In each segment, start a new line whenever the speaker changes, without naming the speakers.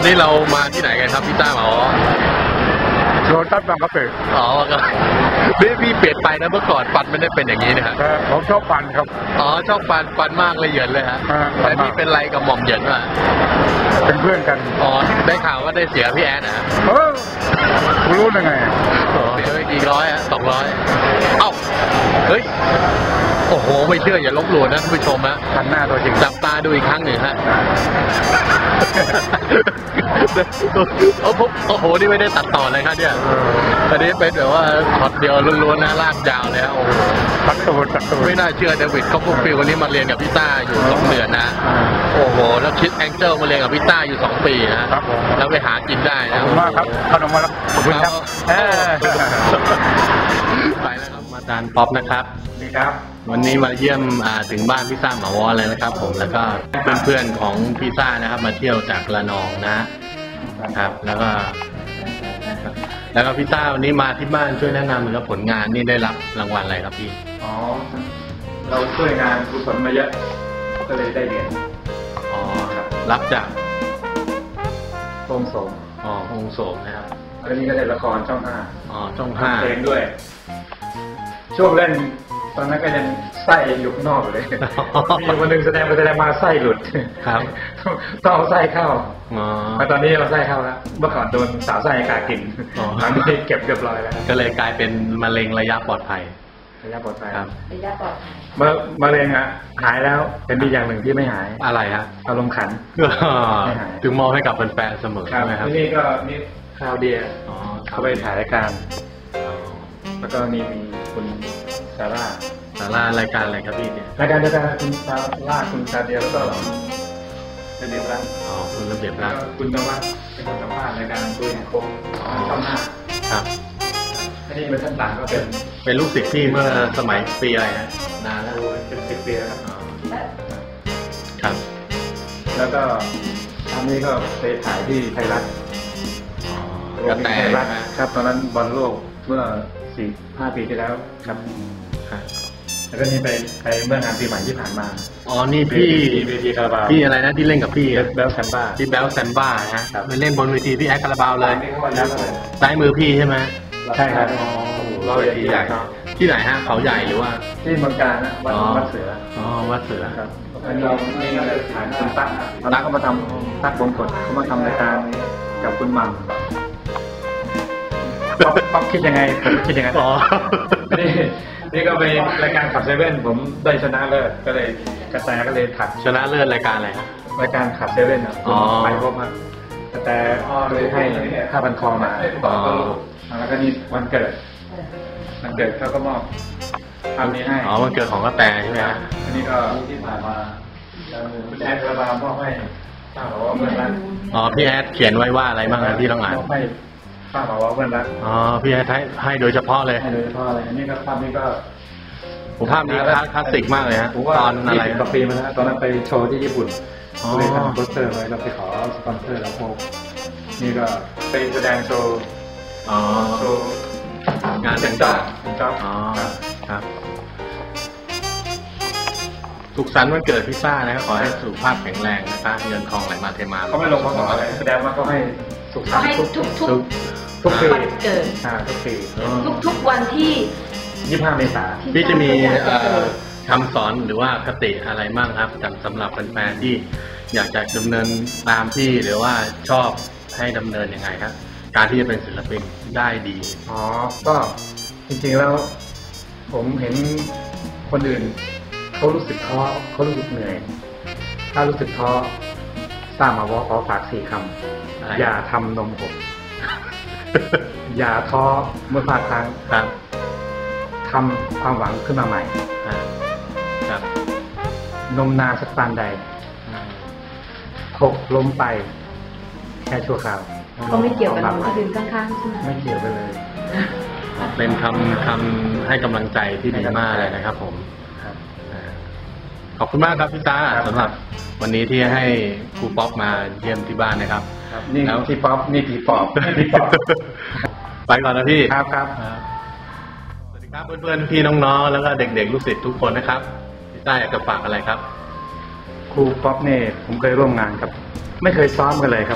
นี้เรามาที่ไหนกันครับพี่ต้าหมอ
โรตัสบางกะปิ
อ๋อครับพี่เปลี่ยนไปนะเมื่อก่อนฟันไม่ได้เป็นอย่างนี้นะฮะ
ผมชอบฟันครับ
อ๋อชอบฟันมากเลยเหยินเลยฮะแต่นี่เป็นไรกับหม่อมเหยินวะ
เป็นเพื่อนกัน
อ๋อได้ข่าวว่าได้เสียพี่แอนนะ
คุณรู้ได้ไง
อ๋อเฮ้ยกี่ร้อยอะ200เอ้าเฮ้ยโอ้โหไม่เชื่ออย่าลบหลู่นะท่านผู้ชมนะ
ทันหน้าตัวจริง
จับตาดูอีกครั้งหนึ่งฮะโอ้โหนี่ไม่ได้ตัดต่อเลยครับเนี่ยอันนี้เป็นแบบว่าช็อตเดียวล้วนๆนะลากยาวเลยโอ้โห
ตัดตูด
ไม่น่าเชื่อเดวิดเขาพวกฟิลวันนี้มาเรียนกับพี่ต้าอยู่2 เดือนนะโอ้โหแล้วคิดแองเจิลมาเรียนกับพี่ต้าอยู่2 ปีนะแล้วไปหากินได้นะ
ขอบคุณมากครับขนมมาแล้วขอบคุณครับ
ไปแล้วครับมาจานป๊อปนะครับ
ดีครับ
วันนี้มาเยี่ยมถึงบ้านพี่ซ่าหมาวอเลยนะครับผมแล้วก็เพื่อนๆของพี่ซ่านะครับมาเที่ยวจากระนองนะครับแล้วก็พี่ซ่าวันนี้มาที่บ้านช่วยแนะนำแล้วผลงานนี่ได้รับรางวัลอะไรครับพี่
อ๋อเราช่วยงานกุศลมาเยอะก็เลยได้เหรียญ
อ๋อครับรับจาก
โฮมโสม
อ๋อโฮมโสมนะครับ
แล้วนี่ก็ได้ละครช่อง5
อ๋อช่อง5
เพลงด้วยช่วงเล่นตอนนั้นก็ยังไส้อยู่ข้างนอกเลยมีวันหนึ่งแสดงมาไส้หลุด
ครับ
ต้องเอาไส้เข้ามาตอนนี้เราไส้เข้าแล้วเมื่อก่อนโดนสาวไส้กากินตอนนี้เก็บเรียบร้อยแล้ว
ก็เลยกลายเป็นมะเร็งระยะปลอดภัย
ครับระยะปลอดภัยมะเร็งอะหายแล้วเป็นดีอย่างหนึ่งที่ไม่หาย
อะไรฮะ
อารมณ์ขัน
ถึงมอบให้กับแฟนๆเสมอ
ใช่ไหมครับนี่ก็นี่คราวเดียเขาไปถ่ายรายการแล้วก็นี่มีคุณซาร่
ารายการอะไรครับพี่เนี่ย
รายการคุณซาร่าคุณซาเดียแล้วก็ระเบียบรัฐ
อ๋อคุณระเบียบรัฐ
คุณนวัดเป็นคนสัมภาษณ์รายการตัวแห่งโค้งช่อง5
ครับ
อันนี้เป็นท่านต่างก็
เป็นลูกศิษย์พี่เมื่อสมัยปีอะไรฮะนานแล้ว
เป็น10 ปีแล้ว
ครับ
แล้วก็อันนี้ก็ไปถ่ายที่ไทยรัฐ
กระแต
ครับตอนนั้นบอลโลกเมื่อ 4-5 ปีที่แล้วครับแล้วก็นี่ไปเมื่องานปีใหม่ที่ผ่านมา
อ๋อนี่พี่
เวทีคาราบาว
พี่อะไรนะที่เล่นกับพี่
แบลแซมบ้า
พี่แบลแซมบ้าฮะไปเล่นบนเวทีพี่แอดคาราบาวเลยซ้ายมือพี่ใช่ไหม
ใช่ครับ
เราเวทีใหญ่ที่ไหนฮะเขาใหญ่หรือว่า
ที่เมืองการนะวัดเสือ
อ๋อวัดเสือ
ครับอันนี้นี่ฐานคุณตั๊กเขามาทำตั๊กบงกฎเขามาทำรายการกับคุณมัมป๊อปคิดยังไงผมคิดยังไง
อ๋อ
นี่ก็ไปรายการขับเซเว่นผมได้ชนะเลิศก็เลยกระแตก็เลยถัด
ชนะเลิศรายการอะไรครับ
รายการขับเซเว่นไปพบมากระแตเลยให้5,000 คองมาแล้วก็นี่วันเกิดเขาก็มอบทำนี้ให้
อ๋อวันเกิดของกระแตใช่ไหมฮะ
อันนี้ก็ที่ผ่านมาคุณแอดคาราบาวมอบให้ป้าบอกว่าเพื่อนรัก
อ๋อพี่แอดเขียนไว้ว่าอะไรบ้างนะที่ต้องอ่าน
ป้าบอกว่าเพื่อนรัก
อ๋อพี่แอดให้โดยเฉพาะเลย
ให้โดยเฉพาะเลยอันนี้ก็ภาพนี้ก็
ภาพนี้คลาสสิกมากเลยฮะตอนอะไร
20 กว่าปีมาแล้วตอนนั้นไปโชว์ที่ญี่ปุ่นเลยทำโปสเตอร์ไว้เราไปขอสปอนเซอร์แล้วโพกนี่ก็ไปแสดงโชว์
งานต่างๆอ๋อครับสุขสันต์วันเกิดพี่ซ่านะครับขอให้สุขภาพแข็งแรงนะครับเงินทองไหลมาเทมา
เขาไม่ลงมาขออะไรแสดงว่าเขาให้สุขสันต์ทุกปี
เกิด
ทุกปี
ทุกวันที่
25 เมษายน
พี่จะมีคำสอนหรือว่าคติอะไรบ้างครับสำหรับแฟนๆที่อยากจะดำเนินตามพี่หรือว่าชอบให้ดำเนินยังไงครับการที่จะเป็นศิลปินได้ดี
อ๋อก็จริงๆแล้วผมเห็นคนอื่นเขารู้สึกท้อเขารู้สึกเหนื่อยถ้ารู้สึกท้อสร้างมาว่าขอฝาก4 คำอย่าทำนมหกอย่าท้อเมื่อพลาดครั้งทำความหวังขึ้นมาใหม่นมนานสักปานใดหกล้มไปแค่ชั่วคราว
เขาไม่เกี่ยวกับนมที่ดื่มข้างๆใช่ไหม
ไม่เกี่ยวกันเลย
เป็นคำให้กำลังใจที่ดีมากเลยนะครับผมขอบคุณมากครับพี่ตาสำหรับวันนี้ที่ให้ครูป๊อปมาเยี่ยมที่บ้านนะครับ
นี่แล้วพี่ป๊อปนี่พี่ป๊อป
ไปก่อนนะพี่
ครับ
สวัสดีครับเพื่อนๆพี่น้องๆแล้วก็เด็กๆลูกศิษย์ทุกคนนะครับพี่ตาอยากจะฝากอะไรครับ
ครูป๊อปเนี่ยผมเคยร่วมงานครับไม่เคยซ้อมกันเลยครับ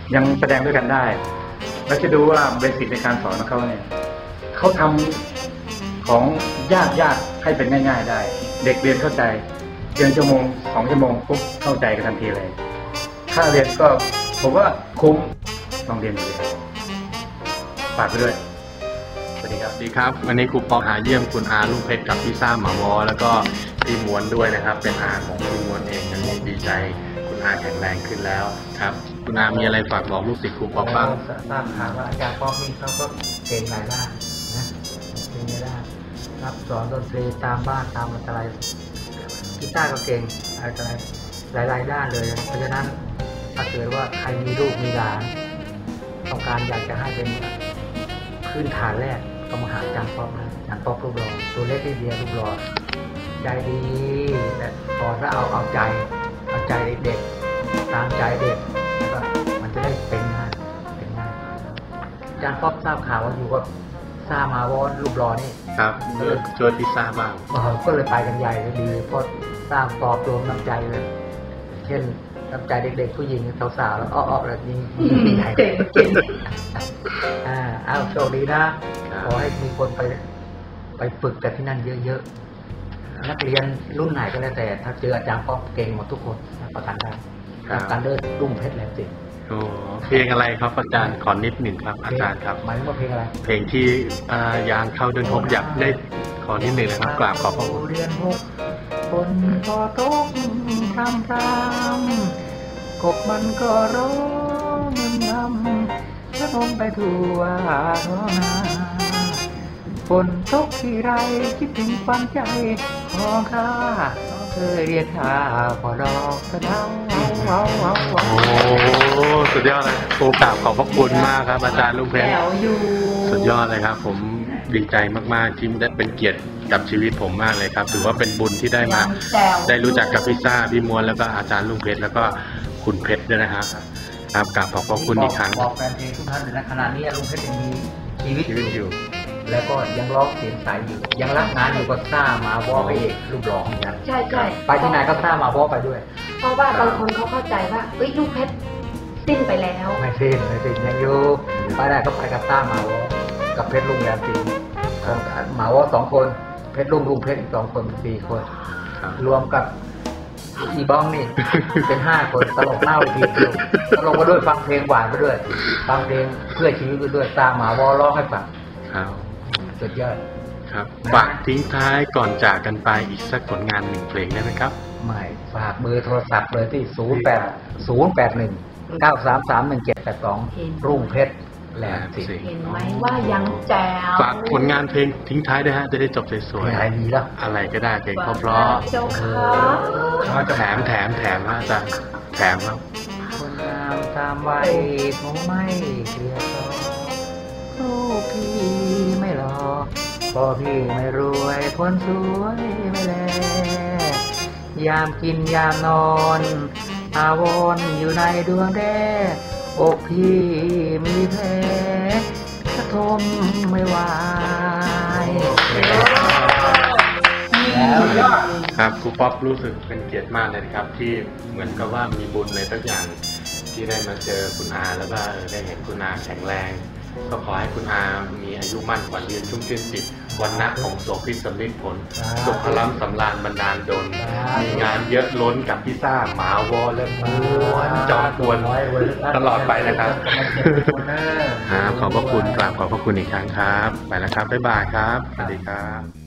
ยังแสดงด้วยกันได้ แล้วจะดูว่าเบสิกในการสอนของเขาเนี่ยเขาทำของยากให้เป็นง่ายๆได้ เด็กเรียนเข้าใจเรียนชั่วโมง2 ชั่วโมงปุ๊บเข้าใจกันทันทีเลยค่าเรียนก็ผมว่าคุ้มลองเรียนดูเลยฝากไปด้วยสวัสดีครับ
สวัสดีครับวันนี้ครูปองหาเยี่ยมคุณอาลุงเพชรกับพี่ซ่าหมาวอแล้วก็พี่ม้วนด้วยนะครับ เป็นอาของพี่ม้วนเองอันนี้ดีใจคุณอาแข็งแรงขึ้นแล้วครับคุณอามีอะไรฝากบอกลูกศิษย์ครูปองบ้าง
ทราบข่าวว่าอาจารย์ป๊อกนี่เขาก็เก่งหลายด้านนะเก่งหลายด้านรับสอนดนตรีตามบ้านตามอะไรกีตาร์ก็เก่งอะไรหลายด้านเลยเพราะฉะนั้นถ้าเกิดว่าใครมีลูกมีหลานต้องการอยากจะให้เป็นพื้นฐานแรกก็มาหาอาจารย์ป๊อกนะอาจารย์ป๊อกรูปหล่อตัวเล็กนิดเดียวรูปหล่อใจดีและสอนแล้วเอาใจเด็กตามใจเด็กแล้วก็มันจะได้เป็นง่ายอาจารย์ป๊อกทราบข่าวว่าอยู่กับซ่ามาวอนรูปหล่อนี่
ครับช่วยพี่ซ่าบ้าง
ก็เลยไปกันใหญ่เลยดีเพราะสร้างตอบรวมน้ำใจเลย เช่นน้ำใจเด็กๆผู้หญิงสาวๆแล้วอ้อๆแบบนี้ใหญ่
เก่ง
เอาโชคดีนะขอให้มีคนไปฝึกกันที่นั่นเยอะๆนักเรียนรุ่นไหนก็แล้วแต่ถ้าเจออาจารย์ป๊อกเก่งหมดทุกคนประกันได้การเลิศรุ่งเพชรแหลมสิงห์
โอ้เพลงอะไรครับอาจารย์ขอนิดหนึ่งครับอาจารย์ครับ
หมายถึงว่าเพลงอะไร
เพลงที่ยางเข้าเดินพบอยากได้ขอนิดหนึ่งนะครับกราบขอบพระคุณ
เรียนหกคนก็ตกทำกบมันก็ร้องมึนงำแล้วลงไปทั่วท้องนาฝนตกที่ไรคิดถึงความใจของข้าเคยเรียกข้าพอดอกกระเดา
โอ้สุดยอดเลยครูกราบขอบพระคุณมากครับอาจารย์ลุงเพชร
แถวอยู่
สุดยอดเลยครับ ผมดีใจมากๆที่ได้เป็นเกียรติกับชีวิตผมมากเลยครับถือว่าเป็นบุญที่ได้มา
แถว
ได้รู้จักกับพี่ซ่าพี่ม้วนแล้วก็อาจารย์ลุงเพชรแล้วก็คุณเพชรด้วยนะครับครับกราบขอบพระคุณอีกครั้ง
บอกแฟนเพลงทุกท่านเลยนะขณะนี้ลุงเพชรยังมีชีวิต
ชีวิตอยู่
แล้วก็ยังร้องเสียงใสอยู่ยังรับงานอยู่ก็ซ่ามาวอไปเอกรูปร้องเหมือนกัน
ใช่ใช่
ไปที่ไหนก็ซ่ามาวอไปด้วย
เพราะว่าบางคนเขาเข้าใจว่าเอ้ยลูกเพชรสิ้นไปแล้ว
ไม่สิ้นยังอยู่ไปได้ก็ไปกับซ่ามาวอกับเพชรลุงแรมสีหมาวอ2 คนเพชรลุงเพชรอีก2 คน4 คน
ครับ
รวมกับอีบ้องนี่ เป็น5 คนตลกหน้าเวทีตลกมาด้วยฟังเพลงหวานไปด้วยฟังเพลงเพื่อชีวิตไปด้วยซ่ามาวอร้องให้ฟัง
ครับ
สุดยอด
ครับฝากทิ้งท้ายก่อนจากกันไปอีกสักผลงาน1 เพลงได้ไหมครับ
ไม่ฝากเบอร์โทรศัพท์เลยที่ 081-933-1782 รุ่งเพชรแหลมสิงห์
เห็นไหมว่ายังแจ๋ว
ฝากผลงานเพลงทิ้งท้ายด้วยฮะจะได้จบสวย
อะไรดีแล้ว
ๆอะไรก็ได้เพลงเพราะ
เจ้าค่ะ
ๆแถมฮะอาจารย์แถมครับ
คนงามตามวัยคงไม่เกลียดต่อลูกพี่ไม่หล่อพ่อพี่ไม่รวยคนสวยไม่แลยามกินยามนอนอาวรณ์อยู่ในดวงแดอกพี่มีแผลกระทมไม่ไหวแล้วยอด
ครับครูป๊อปรู้สึกเป็นเกียรติมากเลยนะครับที่เหมือนกับว่ามีบุญอะไรสักอย่างที่ได้มาเจอคุณอาแล้วก็ได้เห็นคุณอาแข็งแรง ก็ขอให้คุณอามีอายุมั่นขวัญยืนชุ่มชื่นจิตวันนักของโสภิตสำลิดผลสุขล้ำสำราญบรรดาลดลมีงานเยอะล้นกับพี่ซ่าหมาวอและม้วนจอมกวนตลอดไปนะครับขอบพระคุณกราบขอบพระคุณอีกครั้งครับไปแล้วครับบ๊ายบายครับสวัสดีครับ